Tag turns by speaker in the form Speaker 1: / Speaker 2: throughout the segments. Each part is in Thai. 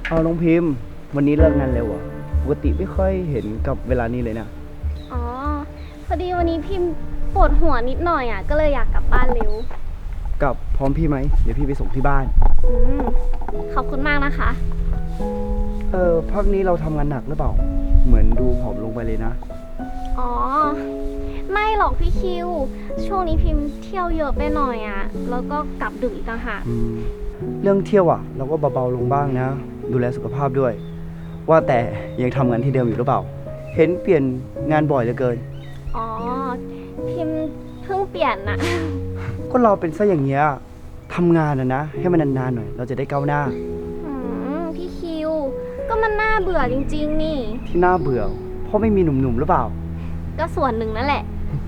Speaker 1: เอาน้องพิมพ์วันนี้เลิกงานเร็วอ่ะปกติไม่ค่อยเห็นกับเวลานี้เลยนะ
Speaker 2: อ๋อพอดีวันนี้พิมพ์ปวดหัวนิดหน่อยอ่ะก็เลยอยากกลับบ้านเร็ว
Speaker 1: กลับพร้อมพี่ไหมเดี๋ยวพี่ไปส่งที่บ้าน
Speaker 2: อืมขอบคุณมากนะคะ
Speaker 1: พักนี้เราทำงานหนักหรือเปล่าเหมือนดูผอมลงไปเลยนะ
Speaker 2: อ๋อไม่หรอกพี่คิวช่วงนี้พิมพ์เที่ยวเยอะไปหน่อยอ่ะแล้วก็กลับดึกอีกต่างหาก
Speaker 1: เรื่องเที่ยวอ่ะเราก็เบาๆลงบ้างนะดูแลสุขภาพด้วยว่าแต่ยังทำงานที่เดิมอยู่หรือเปล่าเห็นเปลี่ยนงานบ่อยเหลือเกิน
Speaker 2: อ๋อพิมพ์เพิ่งเปลี่ยนน่ะ
Speaker 1: ก็เราเป็นซะอย่างเงี้ยทำงานนะให้มันนานๆหน่อยเราจะได้ก้าวหน้า
Speaker 2: พี่คิวก็มันน่าเบื่อจริงๆนี่
Speaker 1: ที่น่าเบื่อเพราะไม่มีหนุ่มๆหรือเปล่า
Speaker 2: ก็ส่วนหนึ่งนั่นแหละ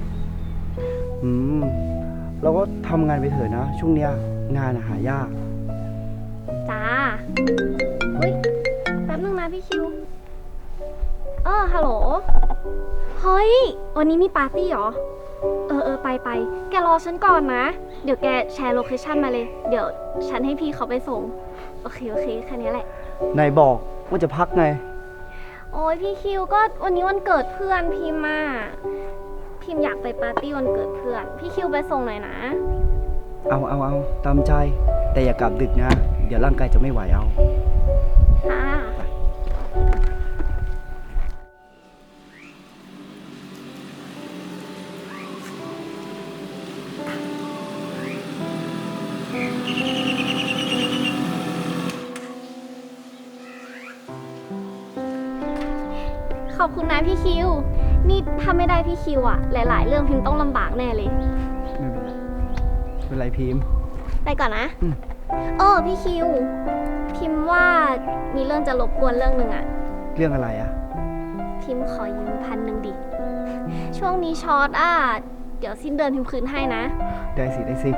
Speaker 1: เราก็ทำงานไปเถอะนะช่วงเนี้ยงานหายาก
Speaker 2: จ้าอุ้ยแป๊บนึงนะพี่คิวฮัลโหลเฮ้ยวันนี้มีปาร์ตี้เหรอไปแกรอฉันก่อนนะเดี๋ยวแกแชร์โลเคชั่นมาเลยเดี๋ยวฉันให้พี่เขาไปส่งโอเคแค่นี้แหละ
Speaker 1: นายบอกว่าจะพักไง
Speaker 2: โอ้ยพี่คิวก็วันนี้วันเกิดเพื่อนพิมพ์พิมพ์อยากไปปาร์ตี้วันเกิดเพื่อนพี่คิวไปส่งหน่อยนะ
Speaker 1: เอาตามใจแต่อย่ากลับดึกนะเดี๋ยวร่างกายจะไม่ไหวเอา
Speaker 2: ค่ะขอบคุณนะพี่คิวนี่ถ้าไม่ได้พี่คิวอะหลายๆเรื่องพิมพ์ต้องลำบากแน่เลย
Speaker 1: ไม่เป็นไรพิมพ์
Speaker 2: ไปก่อนนะพี่คิวพิมพ์ว่ามีเรื่องจะรบกวนเรื่องหนึ่งอะ
Speaker 1: เรื่องอะไรอะ
Speaker 2: พิมพ์ขอยืม1,000ดิช่วงนี้ช็อตเดี๋ยวสิ้นเดือนพิมพ์คืนให้นะ
Speaker 1: ได้สิ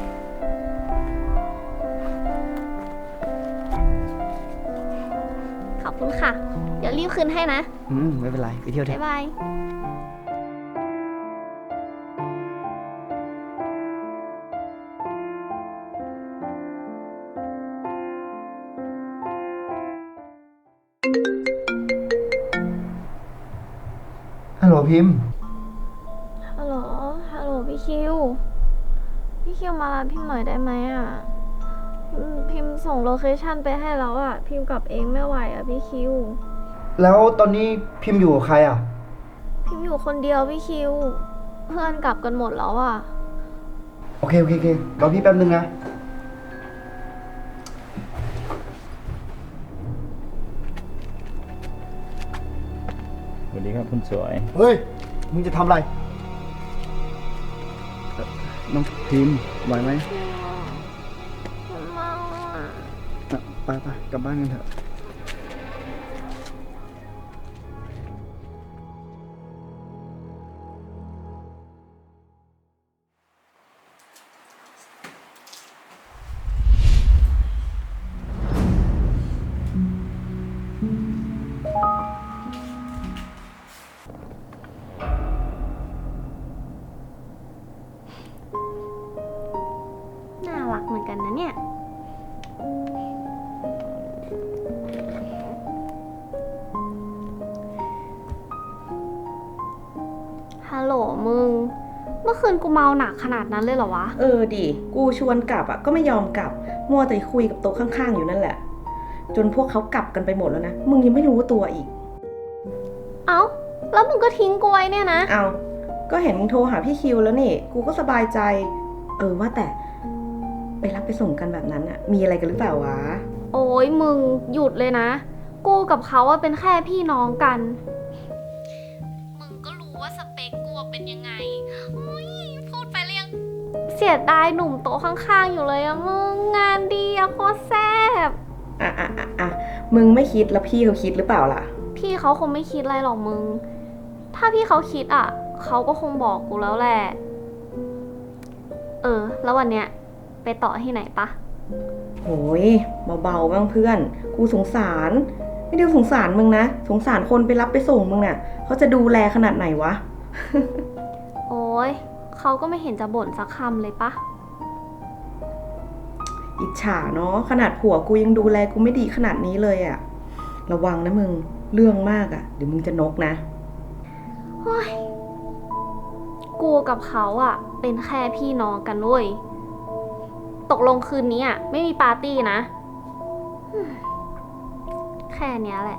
Speaker 2: ขอบคุณค่ะเดี๋ยวรีบคืนให้นะ
Speaker 1: ไม่เป็นไรไปเที่ยวเถอะ
Speaker 2: บ๊ายบาย
Speaker 1: ฮัลโหลพิมพ์
Speaker 2: ฮัลโหลพี่คิวมารับพิมพ์หน่อยได้ไหมพิมพ์ส่งโลเคชั่นไปให้แล้วพิมพ์กลับเองไม่ไหวพี่คิว
Speaker 1: แล้วตอนนี้พิมพ์อยู่กับใคร
Speaker 2: พิมพ์อยู่คนเดียวพี่คิวเพื่อนกลับกันหมดแล้ว
Speaker 1: โอเครอพี่แป๊บนึงนะ
Speaker 3: สวัสดีครับคุณสวย
Speaker 1: เฮ้ยมึงจะทำอะไรน้องพิมพ์ไหวไหมไปกลับบ้านกันเถอะ
Speaker 2: น่ารักเหมือนกันนะเนี่ยฮัลโหลมึงเมื่อคืนกูเมาหนักขนาดนั้นเลยเหรอวะ
Speaker 4: ดิกูชวนกลับก็ไม่ยอมกลับมัวแต่คุยกับโต๊ะข้างๆอยู่นั่นแหละจนพวกเขากลับกันไปหมดแล้วนะมึงยังไม่รู้ตัวอีก
Speaker 2: เอ้าแล้วมึงก็ทิ้งกูไว้เนี่ยนะ
Speaker 4: เอาก็เห็นมึงโทรหาพี่คิวแล้วนี่กูก็สบายใจว่าแต่ไปรับไปส่งกันแบบนั้นมีอะไรกันหรือเปล่าวะ
Speaker 2: โอ้ยมึงหยุดเลยนะกูกับเขาเป็นแค่พี่น้องกันมึงก็รู้ว่าสเปคกูเป็นยังไงพูดไปเรียงเสียดายหนุ่มโต๊ะข้างๆอยู่เลยมึงงานดีโคตรแซ่บ
Speaker 4: มึงไม่คิดแล้วพี่เขาคิดหรือเปล่าล่ะ
Speaker 2: พี่เขาคงไม่คิดอะไรหรอกมึงถ้าพี่เขาคิดเขาก็คงบอกกูแล้วแหละแล้ววันเนี้ยไปต่อที่ไหนปะ
Speaker 4: โอ้ยเบาๆบ้างเพื่อนกูสงสารไม่ได้สงสารมึงนะสงสารคนไปรับไปส่งมึงน่ะเขาจะดูแลขนาดไหนวะ
Speaker 2: โอ้ยเขาก็ไม่เห็นจะบ่นสักคำเลยปะ
Speaker 4: อิจฉาเนาะขนาดผัวกูยังดูแลกูไม่ดีขนาดนี้เลยอะระวังนะมึงเรื่องมากอะเดี๋ยวมึงจะนกนะ
Speaker 2: โอ้ยกูกับเขาอะเป็นแค่พี่น้องกันเว้ย ตกลงคืนนี้อะไม่มีปาร์ตี้นะ แค่เนี้ยแหละ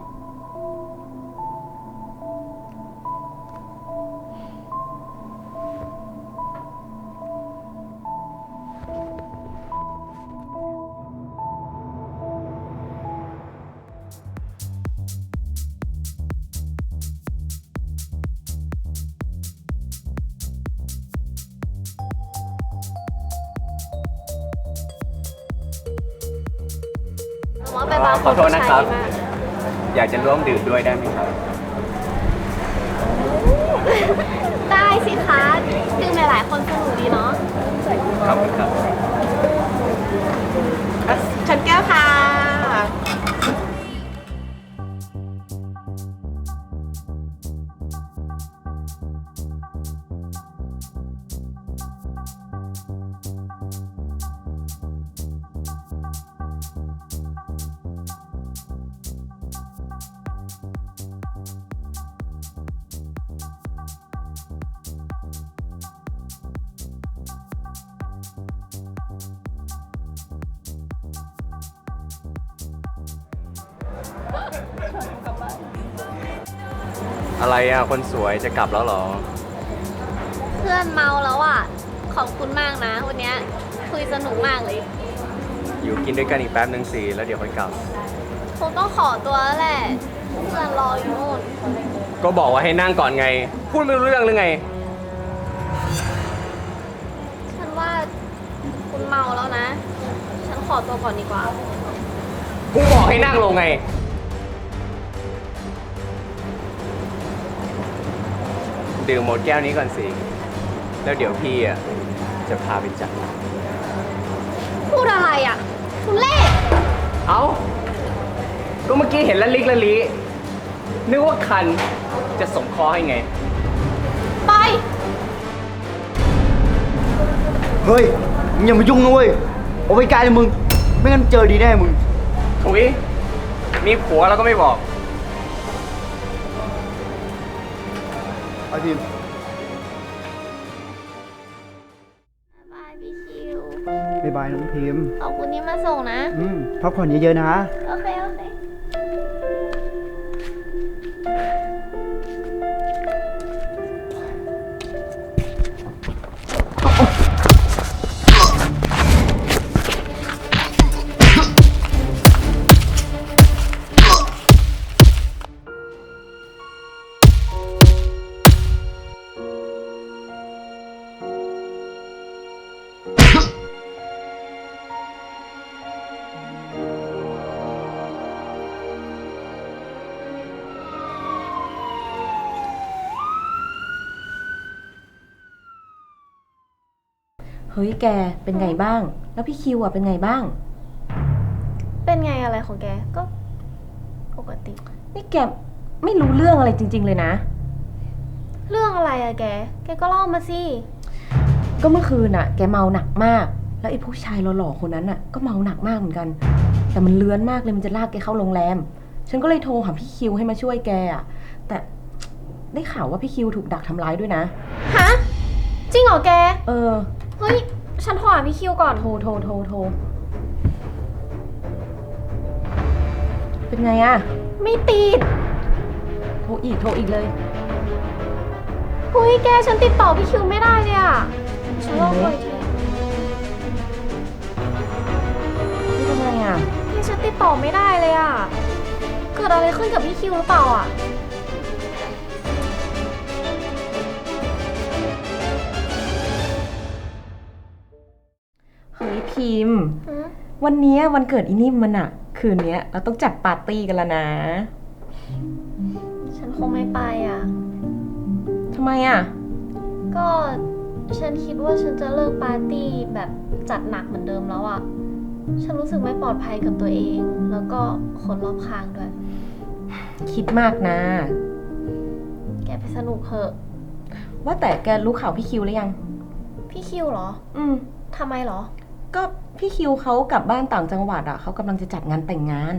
Speaker 5: ขอโทษนะครับ อยากจะร่วมดื่มด้วยได้ไหมครับ
Speaker 2: ได้สิคะดื่มหลายๆคนสนุกดีเนาะ
Speaker 5: ขอบคุณครับ
Speaker 4: ฉันแก้วค่ะ
Speaker 5: อะไรอ่ะ คนสวยจะกลับแล้วเหรอ
Speaker 2: เพื่อนเมาแล้วอ่ะ ขอบคุณมากนะ วันเนี้ยคุยสนุกมากเลย
Speaker 5: อยู่กินด้วยกันอีกแป๊บนึงสิแล้วเดี๋ยวค่อยกลับ
Speaker 2: คงต้องขอตัวแล้วแหละ เพื่อนรออยู่นู่น
Speaker 5: ก็บอกว่าให้นั่งก่อนไง พูดไม่รู้เรื่องหรือไง
Speaker 2: ฉันว่าคุณเมาแล้วนะ ฉันขอตัวก่อนดีกว่า
Speaker 5: กูบอกให้นั่งลงไง ดื่มหมดแก้วนี้ก่อนสิ แล้วเดี๋ยวพี่อ่ะจะพาไปจัด
Speaker 2: พูดอะไรอ่ะทุเล่
Speaker 5: เอ้า ก็เมื่อกี้เห็นละลิกละลินึกว่าคันจะสมคอให้ไง
Speaker 2: ไป
Speaker 1: เฮ้ยมึงอย่ามายุ่งนะเว้ยเอาไปไกลเลยมึง ไม่งั้นเจอดีแน่มึง
Speaker 5: ถุย มีผัวแล้วก็ไม่บอก
Speaker 1: ไอพิมพ์
Speaker 2: บายพี่คิว
Speaker 1: บ๊ายบายน้องพิมพ์
Speaker 2: ขอบคุณที่มาส่งนะ
Speaker 1: พักผ่อนเยอะๆนะ
Speaker 2: โอเค โอเค
Speaker 4: เฮ้ยแกเป็นไงบ้าง แล้วพี่คิวอะเป็นไงบ้าง
Speaker 2: เป็นไงอะไรของแก ก็ปกติ
Speaker 4: นี่แกไม่รู้เรื่องอะไรจริง ๆ เลยนะ
Speaker 2: เรื่องอะไรอะแก แกก็เล่ามาสิ
Speaker 4: ก็เมื่อคืนอะแกเมาหนักมาก แล้วไอ้ผู้ชายหล่อๆคนนั้นอะก็เมาหนักมากเหมือนกัน แต่มันเลื้อนมากเลยมันจะลากแกเข้าโรงแรม ฉันก็เลยโทรหาพี่คิวให้มาช่วยแกอะแต่ได้ข่าวว่าพี่คิวถูกดักทำร้ายด้วยนะ
Speaker 2: ฮะ จริงเหรอแก
Speaker 4: เออ
Speaker 2: เฮ้ย ฉันโทรหาพี่คิวก่อน
Speaker 4: โทรเป็นไงอะ
Speaker 2: ไม่ติด
Speaker 4: โทรอีกเลย
Speaker 2: เฮ้ยแก ฉันติดต่อพี่คิวไม่ได้เลยอะฉันลองเลยที
Speaker 4: นี่ทำไงอะ
Speaker 2: แกฉันติดต่อไม่ได้เลยอะเกิดอะไรขึ้นกับพี่คิวหรือเปล่าอะ
Speaker 4: เฮ้ยพิมพ์
Speaker 2: ฮะ
Speaker 4: วันเนี้ยวันเกิดอีนิ่มมันอะคืนเนี้ยเราต้องจัดปาร์ตี้กันแล้วนะ
Speaker 2: ฉันคงไม่ไปอะ
Speaker 4: ทำไมอะ
Speaker 2: ก็ฉันคิดว่าฉันจะเลิกปาร์ตี้แบบจัดหนักเหมือนเดิมแล้วอะฉันรู้สึกไม่ปลอดภัยกับตัวเอง แล้วก็คนรอบข้างด้วย
Speaker 4: คิดมากนะ
Speaker 2: แกไปสนุกเถอะ
Speaker 4: ว่าแต่แกรู้ข่าวพี่คิวหรือยัง
Speaker 2: พี่คิวเหรอ
Speaker 4: อืม
Speaker 2: ทำไมเหรอ
Speaker 4: ก็พี่คิวเขากลับบ้านต่างจังหวัดอ่ะเขากำลังจะจัดงานแต่งงาน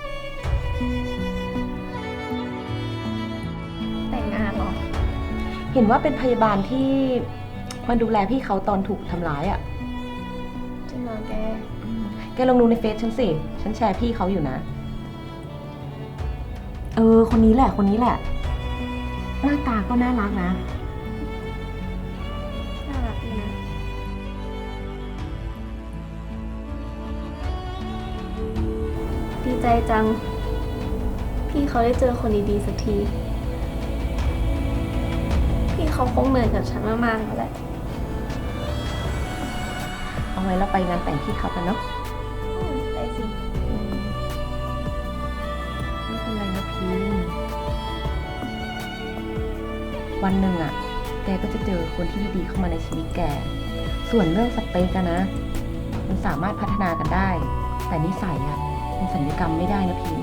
Speaker 2: แต่งงานเหรอ
Speaker 4: เห็นว่าเป็นพยาบาลที่มาดูแลพี่เขาตอนถูกทำร้ายอ่ะ
Speaker 2: จริงเหรอแก
Speaker 4: แกลองดูในเฟซฉันสิ ฉันแชร์พี่เขาอยู่นะ คนนี้แหละ คนนี้แหละ หน้าตาก็น่ารักนะ
Speaker 2: น่ารักดีนะ ดีใจจัง พี่เขาได้เจอคนดีๆสักที พี่เขาคงเหนื่อยกับฉันมากๆแล้วแหละ
Speaker 4: เอาไว้เราไปงานแต่งพี่เขากันเนาะ
Speaker 2: ได้สิ
Speaker 4: ไม่เป็นไรนะพิมวันหนึ่งอ่ะ แกก็จะเจอคนที่ดีๆเข้ามาในชีวิตแก ส่วนเรื่องสเปกอะนะ มันสามารถพัฒนากันได้ แต่นิสัยอ่ะมันสัญญกรรมไม่ได้นะพิม